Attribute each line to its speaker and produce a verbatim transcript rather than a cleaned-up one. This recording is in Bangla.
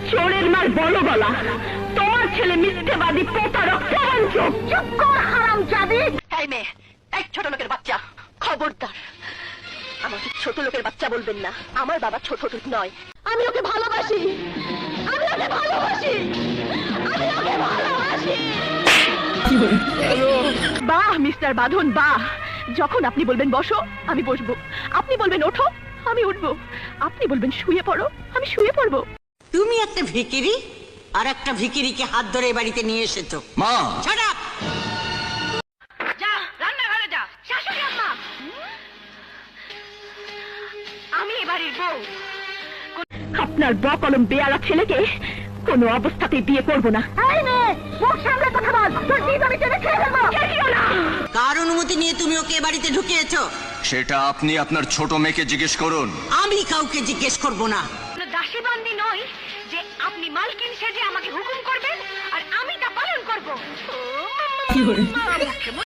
Speaker 1: চোরের মার বলো গলা, তোমার ছেলে মিথ্যেবাদী, প্রতারক, প্রবঞ্চক। চুপ কর হারামজাদি।
Speaker 2: এই মেয়ে, এই ছোট লোকের বাচ্চা, খবরদার আমাকে ছোট লোকের বাচ্চা বলবেন না। আমার বাবা ছোট লোক নয়। আমি ওকে ভালোবাসি, আমি ওকে ভালোবাসি, আমি ওকে ভালোবাসি। বাহ মিস্টার বাঁধন, বাহ। যখন আপনি বলবেন বসো, আমি বসবো। আপনি বলবেন ওঠো, আমি উঠবো। আপনি বলবেন শুয়ে পড়ো, আমি শুয়ে পড়বো।
Speaker 3: তুমি একটা ভিখিরি আর একটা ভিখিরিকে হাত ধরে এ বাড়িতে নিয়ে এসেছো।
Speaker 4: মা,
Speaker 3: Shut up!
Speaker 2: যা রান্নাঘরে যা। শাশুড়ি আম্মা, আমি এবারের বউ।
Speaker 1: আপনার বকলম বেয়ারা ছেলেকে কোনো অবস্থাতেই বিয়ে করবো না। এই মেয়ে, মুখ সামলে কথা বল, তোর দিদ আমি টেনে খেয়ে ফেলবো। খেলিও না।
Speaker 3: কার অনুমতি নিয়ে তুমি ওকে এ বাড়িতে ঢুকিয়েছো?
Speaker 4: সেটা আপনি আপনার ছোট মেয়েকে জিজ্ঞেস করুন।
Speaker 3: আমি কাউকে জিজ্ঞেস করব না।
Speaker 2: দাসী বান্দি নই যে আপনি মালকিন সেজে আমাকে হুকুম করবেন আর আমি তা পালন করবো।